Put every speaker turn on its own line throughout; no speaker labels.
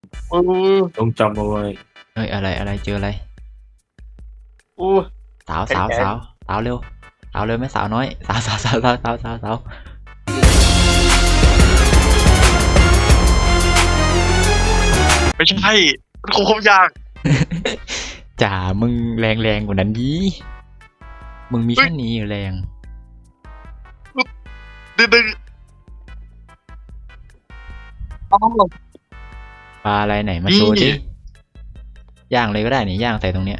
อือ
ต้องจำเอาไว้
เอ้ยอะไรเจออะไร
อู้
สาว
แขนแขน
สาวเร็วสาวเร็วไหมสาวน้อยสาว
ไม่ใช่มันคงยาก
จ่ามึงแรงกว่านั้นดีมึงมี
เฮ้ย
แค่นี้อยู่แรง
ดึงอ๋อ
ปลาอะไรไหนมาโชว์ดิย่างเลยก็ได้นี่ย่างใส่ตรงเนี้ย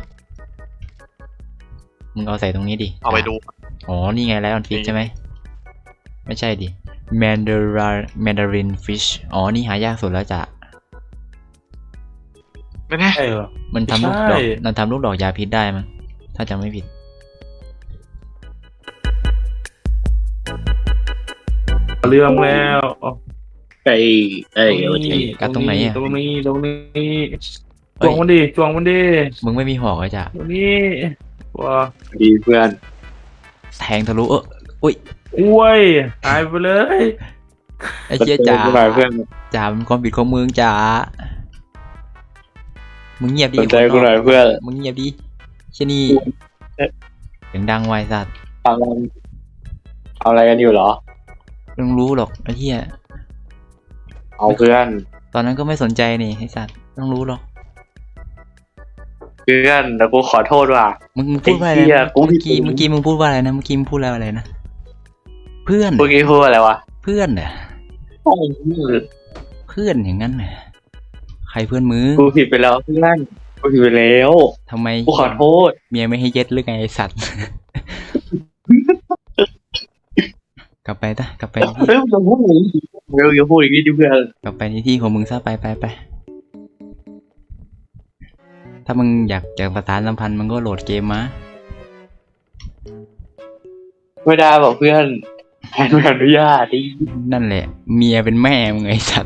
มึงเอาใส่ตรงนี้ดิ
เอาไปดู
อ๋อนี่ไงไลออนฟิช
นี่
ใช่ไหมไม่ใช่ดิแมนดารินฟิชอ๋อนี่หายากสุดแล้วจ้ะ
ไม่แน่
ใช่เหรอ
มันทำลูก
ใช่
ดอกมันทำลูกดอกยาพิษได้มั้งถ้าจำไม่ผิด
เรื่องแล้ว
ไอ้ไอ้
ตรงนี้
กัดตรงไหนอะ
ตรงนี้จวงมันดิจวงมันดิ
มึงไม่มีหอกเลยจ้ะ
ตรงนี้ว้า
ดีเพื่อน
แทงทะลุอุ้ย
อ้วยหายไปเลย
ไอ้เจี๊ยจ๋า
เพื่อน
จ่ามันความผิดของมึงจ๋ามึงเงียบดิ
สนใจกูหน่อยเพื่อน
มึงเงียบดิเช่นนี่เสียงดังไวสัตว์
ทำอะไรกันอยู่เหรอ
มึงรู้หรอกไอ้เหี้ย
เอาเพื่อน
ตอนนั้นก็ไม่สนใจนี่ไอ้สัตว์ต้องรู้หรอก
เพื่อนแต่กูขอโทษว่ะ
มึงพูดว่าอะไร
ไอ้เหี้ย
นะ
กูผิ
เมื่
ด
อกี้มึงพูดว่าอะไรนะเมื่อกี้มึงพูดอะไรนะเพื่อน
เมื่อกี้พูดอะไรวะ
เพื่อนเหรอ
โอ้ย
เพื่อนอย่างนั้นเหรอใครเพื่อนมึง
กูผิดไปแล้วเพื่อนกูผิดไปแล้ว
ทำไม
กูขอโทษ
เมียไม่ให้เย็ดหรือไงไอ้สัตว์ กลับไปกลับไปที่
เฮ้ยอย่าพูดอย่างนี้อย่าพูดอย่างนี้ดิเพื่อน
กลับไปในที่ของมึงซะไปถ้ามึงอยากจะประสานสัมพันธ์มึงก็โหลดเกมมา
ไม่ได้บอกเพื่อนแทนไม่อนุญาตดิ
นั่นแหละ เมียเป็นแม่มึงไอ้สัตว์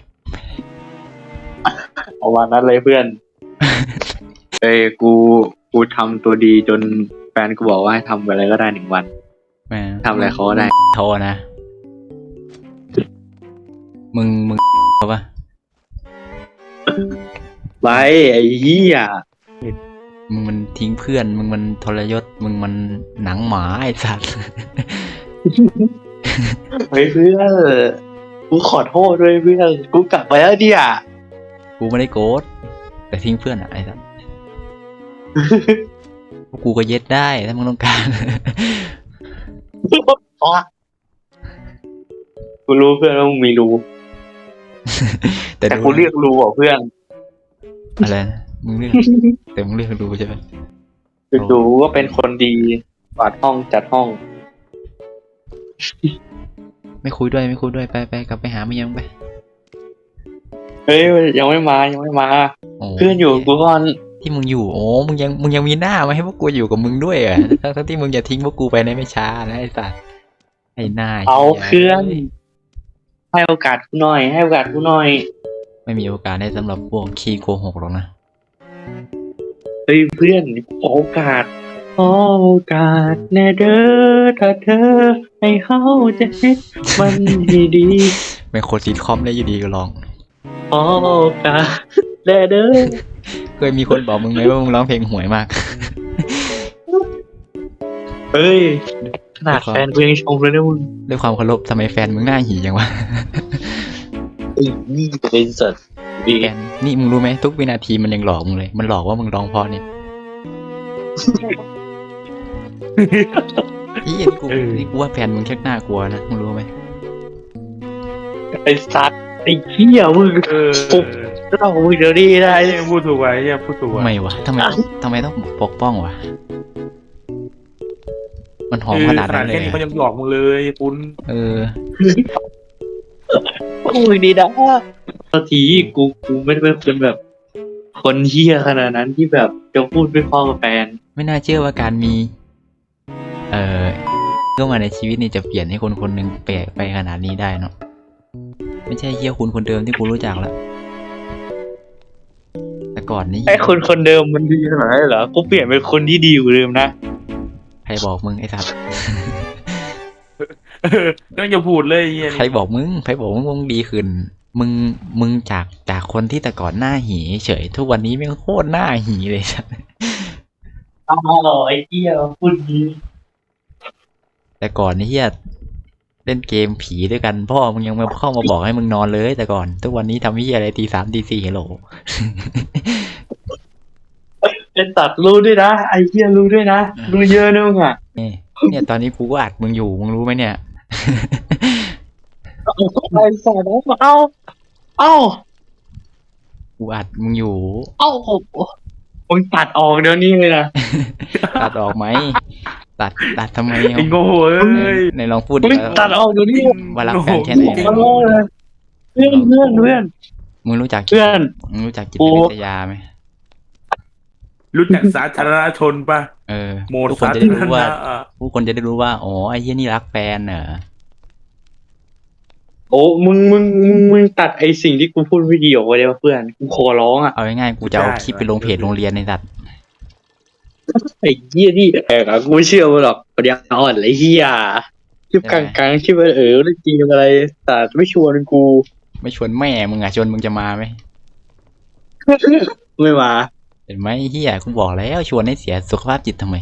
เอาวันนั้นเลยเพื่อน เอ้ยกูทำตัวดีจนแฟนกูบอกว่าให้ทำอะไรก็ได้1 วัน
แม่
ทำอะไรเขาก็ได้
โทรนะ มึงเอาปะ
ไว้ไอ้เหี้ย
มึงมันทิ้งเพื่อน มึงมันทรยศ มึงมันหนังหมาไอ้สัตว์
เฮ้ยเพื่อนกูขอโทษด้วยเพื่อนกูกลับไปแล้วเนี่ย
กูไม่ได้โกรธแต่ทิ้งเพื่อนอะไอ้สัตว์ กูก็เย็ดได้ถ้ามึงต้องการ
อ๋อกูรู้เพื่อนว่ามึงมีรู้ แต่
ดู
กูเรียกรู้อ่ะเพื่อน
อะไรนะมึงเลือก แต่มึงเลือกดูใช่ไหม
คือรู้ว่าเป็นคนดีกวาดห้องจัดห้อง
ไม่คุยด้วยไปกลับไปหาเมียมึงไป
เฮ้ยยังไม่มา
โอ้
เพื่อนอยู่กับกูก่อน
ที่มึงอยู่โอ้มึงยังมีหน้ามาให้พวกกูอยู่กับมึงด้วยเหรอทั้งที่มึงจะทิ้งพวกกูไปในไม่ช้านะไอ้สัตว์ไอ้หน้า
เอา
หี้ย
เพื่อน ให้โอกาสกูหน่อย ให้โอกาสกูหน่อย
ไม่มีโอกาสได้สำหรับพวกขี้โกหกหรอกนะ
เฮ้ยเพื่อนขอโอกาสแน่เด้อถ้าเธอให้เขาจะเฮ็ดมันดี
เป็นคนซีทคอมได้อยู่ดีก็ลอง
ขอโอกาสแน่เด้อ
เคยมีคนบอกมึงไหมว่ามึงร้องเพลงห่วยมาก
เฮ้ยขนาดแฟนกูยังชมเลยนะมึง
ด้วยความเคารพทำไมแฟนมึงหน้าหีอย่างวะ
ไอ้นี่เป็นสัตว์ดี
แฟนนี่มึงรู้ไหมทุกวินาทีมันยังหลอกมึงเลย มันหลอกว่ามึงร้องเพอเนี่ยอีนี่กูว่าแฟนมึงแค่น่ากลัวนะมึงรู้ไหม
ไอ้สัตว์ไอ้เหี้ยมึง ปุ๊บ เล่ามึงเดี๋ยวนี้ได้
ไอ้พูดถูกไว้เนี่ยพูดถูกไว้
ทำไมวะทำไมต้องปกป้องวะมันหอมขนาดนั้นเล
แค่
ย
นี้
อะ
มันยังหลอกมึงเลยคุณ
เออ
โอ้ยดีนะตอนทีกูไม่ได้เป็นคนแบบ คนเหี้ยขนาดนั้นที่แบบจะพูดไม่พอกับแฟน
ไม่น่าเชื่อว่าการมี เข้ามาในชีวิตนี่จะเปลี่ยนให้คนคนหนึ่งแปลกไปขนาดนี้ได้เนาะไม่ใช่เฮียคุณคนเดิมที่กูรู้จักแล้วแต่ก่อนนี้
ไอ้คนเดิมมันดีขนาดนั้นเหรอ กูเปลี่ยนเป็นคนที่ดีกว่าเดิมนะ
ใครบอกมึงไอ้สัตว์
ก็อย่าพูดเลยไอ้เหี้ย
ใครบอกมึงว่ามึงดีขึ้นมึงมึงจากคนที่แต่ก่อนหน้าหีเฉยทุกวันนี้แม่งโคตรหน้าหีเลยสัส
อ้าวไอ้เหี้ยพูดดี
แต่ก่อนนี่เฮียเล่นเกมผีด้วยกันพ่อมึงยังมาเข้ามาบอกให้มึงนอนเลยแต่ก่อนทุกวันนี้ทำเฮียอะไรตี 3ตี 4ฮัลโหล
เป็นตัดรู้ด้วยนะไอ้เหี้ยรู้ด้วยนะรู้เยอะนะมึงอ่ะ
เนี่ยตอนนี้กูก็อัดมึงอยู่มึงรู้ไหมเนี่ย
ไอ้สัตว์เอ้า
กูอัดมึงอยู่
เอ้ามึงตัดออกเดี๋ยวนี้เลยนะ
ตัดออกไหมตัดทำไม
ไอ้โง่เอ้ย
ในลองพูด
มึ
ดิ
งตัดออกเดี๋ยวนี้
ว่ารักกันแค่ไหน
ขอโทษเลยเพื่อน
มึงรู้จัก
เพื่อน
มึงรู้จักจิตวิทยาไหม
รู้จักสาธารณชนปะ โหมด
ทุกคน
สา
จะ
ธา
ได้
ร
รู้ว่า
ณะอะ
ผู้คนจะได้รู้ว่าอ๋อไอ้เหี้ยนี่รักแฟนเหรอ
โอ้มึงตัดไอ้สิ่งที่กูพูดไม่ดีออกไปเลยเพื่อนกูขอร้องอ่ะ
เอาง่ายๆกูจะเอาคลิปไปลงเพจโรงเรียนในสัตว์
ไอ้เหี้ยนี่กูไม่เชื่อมึงหรอกปัญญาอ่อนไอ้เหี้ยคลิปกลางๆคลิปเรื่องจริงอะไรแต่ไม่ชวนกู
ไม่ชวนแม่มึงชวนมึงจะมาไหม
ไม่มา
เห็นไหมเฮียกูบอกแล้วชวนให้เสียสุขภาพจิตทำไม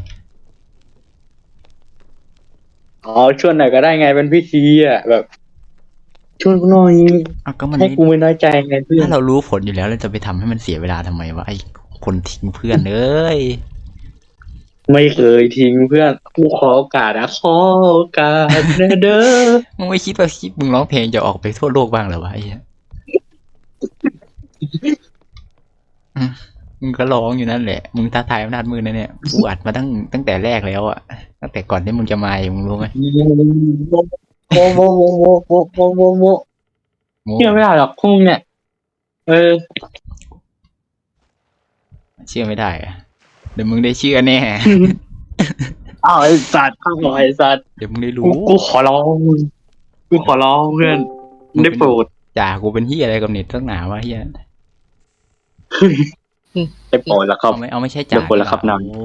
อ๋อชวนหน่อยก็ได้ไงเป็นพิธีอ่ะแบบชวนกูหน่อย
อ้าวก็มัน
ให้กูไม่น้อยใจไงเพื่อน
ถ้าเรารู้ผลอยู่แล้วเราจะไปทำให้มันเสียเวลาทำไมวะไอ้คนทิ้งเพื่อนเอ้ย
ไม่เคยทิ้งเพื่อนกูขอโอกาสนะขอโอกาสนะเด้อ
มึงไม่คิดว่าคลิปมึงร้องเพลงจะออกไปทั่วโลกบ้างเหรอวะไอ้เหี้ยอืมมึงก็ร้องอยู่นั่นแหละมึงท้าทายอำนาจมือนะเนี่ยกูอัดมาตั้งแต่แรกแล้วอะตั้งแต่ก่อนที่มึงจะมามึงรู้ไหม
โมเชื่อไม่ได้หรอกพวกมึงเนี่ย
เชื่อไม่ได้อะเดี๋ยวมึงได้เชื่อแน่
อ้าวไอ้สัตว์ข้าวไอ้สัตว์
เดี๋ยวมึงได้
กู
รู้
กูขอร้องมึงกูขอร้องเพื่อนได้โปรด
จ่ากูเป็นเฮียอะไรกับเน็ตตั้งหนาวะเฮีย
ได้โปรดแล้วครับ
เอาไม่ใช่จ่า
เดี๋ยวคนละครับนำ
โอ้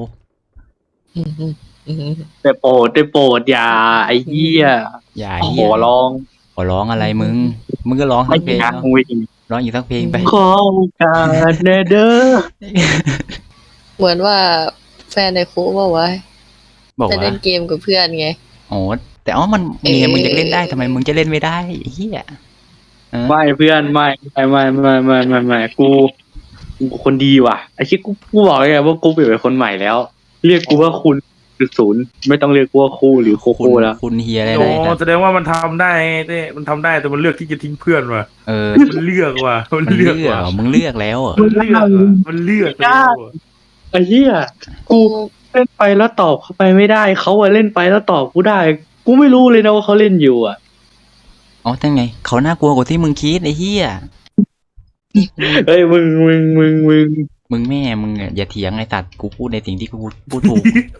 ได้โปรดอย่าไอ้เหี้ย
อย่า
ข
เฮีย
อร้อง
ขอร้องอะไรมึงก็ร้อง
ไม่
ทั้งเพลง
นะ
เนาะ
มึงไม่ดี
ร้องอีกทั้งเพลงไป
ขอโอกาสแน่เด้อ
เหมือนว่าแฟนในคุกบอกว่า
บอก
จะ
ว่า
เล่นเกมกับเพื่อนไง
อ๋อแต่มันเมียมึงจะเล่นได้ทำไมมึงจะเล่นไม่ได้ไอ้เฮีย
ไม่เพื่อนไม่กูคนดีว่ะไอ้ที่กูบอกเลยไงว่ากูเปลี่ยนเป็นคนใหม่แล้ว เรียกกูว่าคุณศูนย์ไม่ต้องเรียกกูว่าคู่หรือโค
คุณ
โค่แล้ว
คุณเฮียอะไร
โอ้
นะ
แสดงว่ามันทำได้เต้มันทำได้แต่มันเลือกที่จะทิ้งเพื่อนว่ะ มันเลือกว่ะมัน
มัน
เลื
เลื
อก
อก
ว่ะ
เหรอมึงเลือกแล้วเหรอ
มันเลือกว่ะมันเลือกแล้วว่ะ
ไอ้เหี้ยกูเล่นไปแล้วตอบเขาไปไม่ได้เขาอะเล่นไปแล้วตอบกูได้ กูไม่รู้เลยนะว่าเขาเล่นอยู่อะ
อ๋อตั้งไงเขาน่ากลัวกว่าที่มึงคิดไอ้เฮีย
เฮ้ยมึง
มึงแม่มึงอย่าเถียงไอ้สัตว์กูพูดในสิ่งที่กูพูดถูก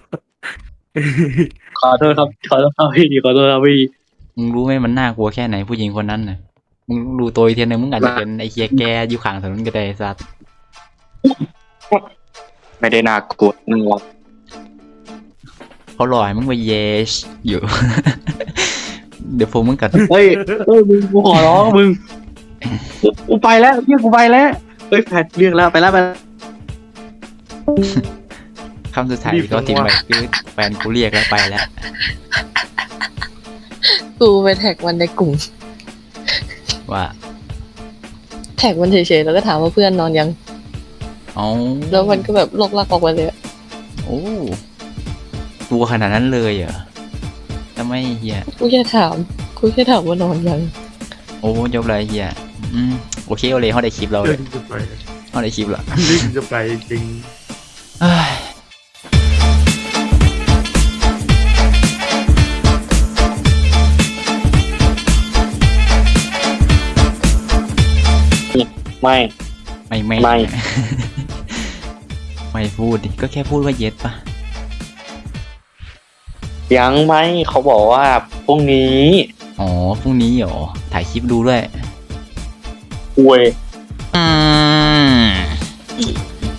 ขอโทษครับพี่ขอโทษครับพี่
มึงรู้ไหมมันน่ากลัวแค่ไหนผู้หญิงคนนั้นน่ะมึงรู้ตัวอีกทีนึงมึงอาจจะเป็นไอ้เฮียแกอยู่ข้างถนนก็ได้ไอ้สัตว์
ไม่ได้น่ากลัวนึงหรอก
เขาหล่อให้มึงไปเยชอยู่ เดี๋ยวพวกมึงกัด
เฮ้ยมึงกูขอร้องมึงกูไปแล้วเรียกกูไปแล้วเฮ้ยแพทเรียกแล้วไปแล้ว
คำสุดท้ายที่เขาทิ้งไปคือแฟนกูเรียกแล้วไปแล้ว
กูไปแท็กมันในกลุ่ม
ว่า
แท็กมันเฉยๆแล้วก็ถามว่าเพื่อนนอนยัง
เอา
แล้วมันก็แบบลกลักออกมาเลยอะ
โอ้ตัวขนาดนั้นเลยเหรอทำไมเฮีย
กูแค่ถามว่านอนยัง
โอ้ยกเลยเฮียโอเคเอาเลยเขาได้คลิปเราเล
เรื่อย งจะไป
เขาได้คลิปละ
เรื่องจะไปจริง
เอ้ย
ไม่
ไม่
ไม่
ไม่พูดดิก็แค่พูดว่าเย็ดปะ
ยังไม่เขาบอกว่าพรุ่งนี้
อ๋อพรุ่งนี้เหรอถ่ายคลิปดูด้วย
อวย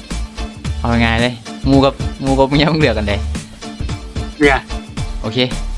เอาไงเลยงูกับเมียมึงเลือกกันเลย
เนี่ย
โอเค